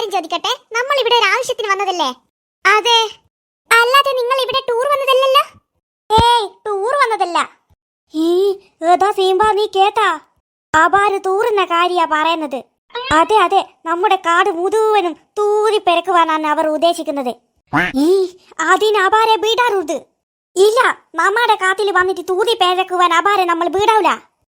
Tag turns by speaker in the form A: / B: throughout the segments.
A: കാര്യം ചോദിക്കട്ടെ? നമ്മൾ ഇവിടെ ഒരു ആവശ്യത്തിന് വന്നതല്ലേ? അതെ. അല്ലാതെ നിങ്ങൾ ഇവിടെ ടൂർ വന്നതല്ലല്ലോ? ഏയ്, ടൂർ വന്നതല്ല. ഏതാ സീമ്പ, നീ കേട്ടാ? ആബാര് തൂറുന്ന കാര്യാ പറയുന്നത്. അതെ അതെ, നമ്മുടെ കാട് മുഴുവനും തൂരി പെരക്കുവാനാണ് അവർ ഉദ്ദേശിക്കുന്നത്. അതിന് അബാരെ വീടാറുണ്ട്. ഇല്ല, നമ്മുടെ കാട്ടിൽ വന്നിട്ട് തൂതി പെരക്കുവാൻ അബാരെ നമ്മൾ വീടാവില്ല.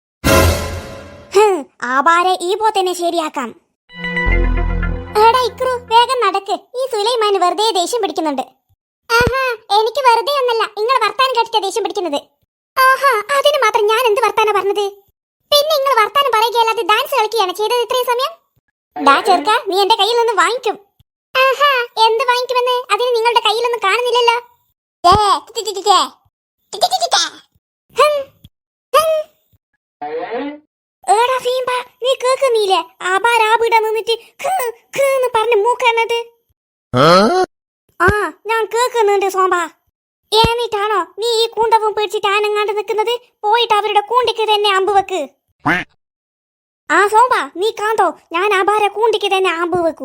A: ആബാരെ ഈ പോ തന്നെ ശരിയാക്കാം. എടാ ഇക്രു, വേഗം നടക്ക്. ഈ സുലൈമാന് വെറുതെ ദേഷ്യം പിടിക്കുന്നുണ്ട്. ആഹാ, എനിക്ക് വെറുതെ ഒന്നല്ല, നിങ്ങൾ വർത്താനം കേട്ടിട്ട് ദേഷ്യം പിടിക്കുന്നത്. ആഹാ, അതിന് മാത്രം ഞാൻ എന്ത് വർത്താനം പറഞ്ഞത്? പിന്നെ നിങ്ങൾ വർത്താനം പറയുകയല്ലാതെ ഡാൻസ് കളിക്കുകയാണ് ചെയ്തത് ഇത്രയും സമയം. ഡാ ചെറുക്ക, നീ എന്റെ കയ്യിൽ നിന്ന് വാങ്ങിക്കും. ആഹാ, എന്ത് വാങ്ങിക്കുമെന്ന്? അതിന് നിങ്ങളുടെ കയ്യിലൊന്നും കാണുന്നില്ലല്ലോ. ഏടാ സീമ്പ, നീ കേൾക്കുന്നില്ലേ? ആബാരാബിട നിന്നിട്ട് പറഞ്ഞ് മൂക്കണത്. ആ, ഞാൻ കേൾക്കുന്നുണ്ട് സോമ്പ. എന്നിട്ടാണോ നീ ഈ കൂണ്ടവും പിടിച്ചിട്ട് ആനങ്ങാണ്ട് നിൽക്കുന്നത്? പോയിട്ട് അവരുടെ കൂണ്ടിക്ക് തന്നെ അമ്പ് വെക്ക്. ആ സോമ്പ, നീ കാന്തോ, ഞാൻ ആബാരെ കൂണ്ടിക്ക് തന്നെ അമ്പ് വെക്കൂ.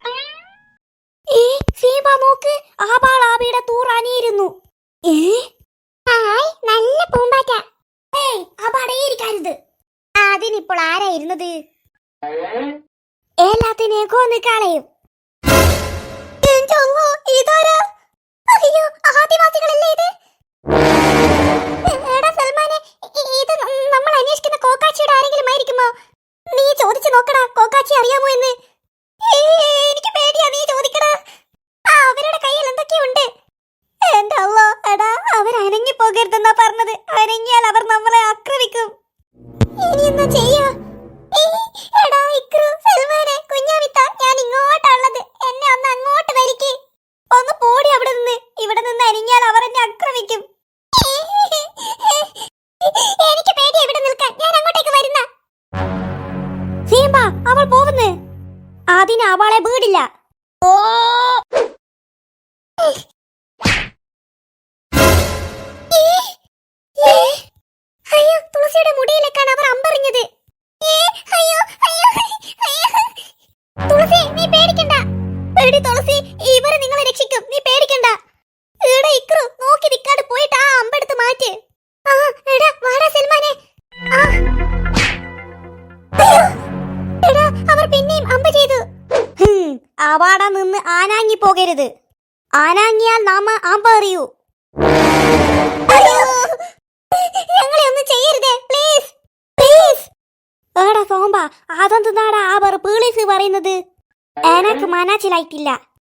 A: സീമ്പ നോക്ക്, ആബാൾ ആബിയുടെ തൂറാനിയിരുന്നു. നല്ല പൂമ്പാറ്റ. ആബാടെ ഇരിക്കരുത്. അതിനിപ്പോൾ ആരായിരുന്നത്? എല്ലാത്തിനെയും കൊന്ന് കളയും. ഇതാരാ? അയ്യോ, ആദിവാസികളല്ലേ ഇത്? എടാ സൽമാനെ, ഇത് നമ്മൾ അന്വേഷിക്കുന്ന കോക്കാച്ചിയുടെ ആരെങ്കിലും ആയിരിക്കുമോ? നീ ചോദിച്ചു നോക്കടാ, കോക്കാച്ചി അറിയാമോ എന്ന്. എനിക്ക് പേടിയാ, നീ ചോദിക്കടാ. അവരുടെ കയ്യിൽ എന്തൊക്കെയുണ്ട്? എന്റെ അള്ളോ, എടാ അവർ അനങ്ങി പോകരുതെന്നാ പറഞ്ഞത്. അനങ്ങിയാൽ അവർ നമ്മളെ ആക്രമിക്കും. ഇനി എന്താ ചെയ്യാ? എടാ ഇക്രു, സൽമാനെ, കുഞ്ഞാവിത്ത, ഞാൻ ഇങ്ങോട്ടുള്ളത്. എന്നെ ഒന്ന് അങ്ങോട്ട് വലിക്ക്. ഒന്ന് പോടി അവിടെ നിന്ന്. ഇവിടെ നിന്ന് അനങ്ങിയാൽ അവർ എന്നെ ആക്രമിക്കും. എനിക്ക് പേടിയാ ഇവിടെ നിൽക്കാൻ. ഞാൻ അങ്ങോട്ടേക്ക് വരുന്ന. സീമ്പ, അവൾ പോകുന്നു. അതിന് അവളെ വീടില്ല. ഓ, അയ്യോ, തുളസിയുടെ മുടിയിലേക്കാണ് അവർ അമ്പറിഞ്ഞത്. തുളസി, നീ പേടിക്കണ്ട. പേടി തുളസി, ഇവരെ നിങ്ങളെ രക്ഷിക്കും. നീ പേടിക്കണ്ട. എടാ ഇക്രു, നോക്കി നിൽക്കാണ്ട് പോയിട്ട് ആ അമ്പെടുത്ത് മാറ്റ്. ആ, എടാ വാടാ സൽമാനെ. എടാ, അവർ പിന്നെയും അമ്പ ചെയ്തു. അവാടാ നിന്ന് ആനാങ്ങി പോകരുത്. ആനാങ്ങിയാൽ നാമ അമ്പറിയൂ. ഞങ്ങളെ ഒന്നും ചെയ്യരുതേ, പ്ലീസ് പ്ലീസ്. ഏടാ സോമ്പ, അതെന്താടാ അവർ പോലീസ് പറയുന്നത്? എനക്ക് മനസ്സിലായിട്ടില്ല.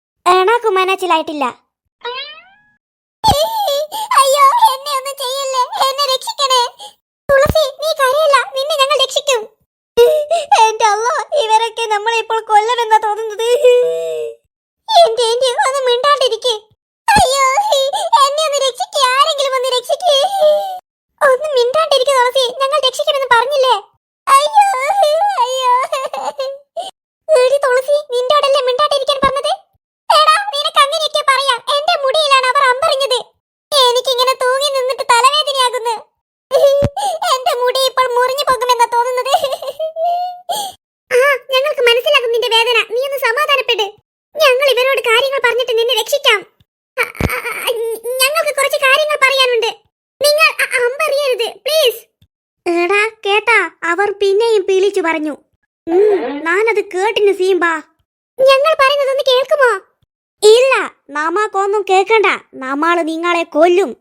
A: അയ്യോ, എന്നെ ഒന്നും ചെയ്യല്ലേ, എന്നെ രക്ഷിക്കണേ. തുളസി, നീ കരയില്ല, നിന്നെ ഞങ്ങൾ രക്ഷിക്കും. എന്റെ അള്ളോ, ഇവരൊക്കെ നമ്മളെ ഇപ്പോൾ കൊല്ലുമെന്നാ തോന്നുന്നത്. എന്റെ ഒന്ന് മിണ്ടാണ്ടിരിക്കേ. അയ്യോ, എന്നെ ഒന്ന് രക്ഷിക്കേ, ആരെങ്കിലും ഒന്ന് രക്ഷിക്കേ. ഒന്ന് മിണ്ടാണ്ടിരിക്കുക തുളസി, ഞങ്ങൾ രക്ഷിക്കണമെന്ന് പറഞ്ഞില്ലേ? അയ്യോ അയ്യോ. എടി തുളസി, നിന്നോടല്ലേ മിണ്ടാണ്ടിരിക്കാൻ പറഞ്ഞത്? എടാ, നിനക്ക് അങ്ങനെയൊക്കെ പറയാം. എന്റെ മുടിയിലാണ് അവർ അമ്പറിഞ്ഞത്. എനിക്കിങ്ങനെ തൂങ്ങി നിന്നിട്ട് തലവേദനയാകുന്നു. എന്റെ മുടി ഇപ്പോൾ മുറിഞ്ഞു പോകുമെന്നാ തോന്നുന്നത്. ആ, ഞങ്ങൾക്ക് മനസ്സിലാകും നിന്റെ വേദന. നീ ഒന്ന് സമാധാനപ്പെട്. ഞങ്ങൾ ഇവരോട് കാര്യങ്ങൾ പറഞ്ഞിട്ട് നിന്നെ രക്ഷിക്കാം. ഞങ്ങൾക്ക് കുറച്ച് കാര്യങ്ങൾ പറയാനുണ്ട്. നിങ്ങൾ അമ്പറിയരുത്, പ്ലീസ്. എടാ കേട്ടാ, അവർ പിന്നെയും പീലിച്ചു പറഞ്ഞു. ഞാനത് കേട്ടിന് സീമ്പ. ഞങ്ങൾ പറയുന്നതൊന്ന് കേൾക്കുമോ? ഇല്ല, നമ്മക്കൊന്നും കേൾക്കണ്ട. നമ്മള് നിങ്ങളെ കൊല്ലും.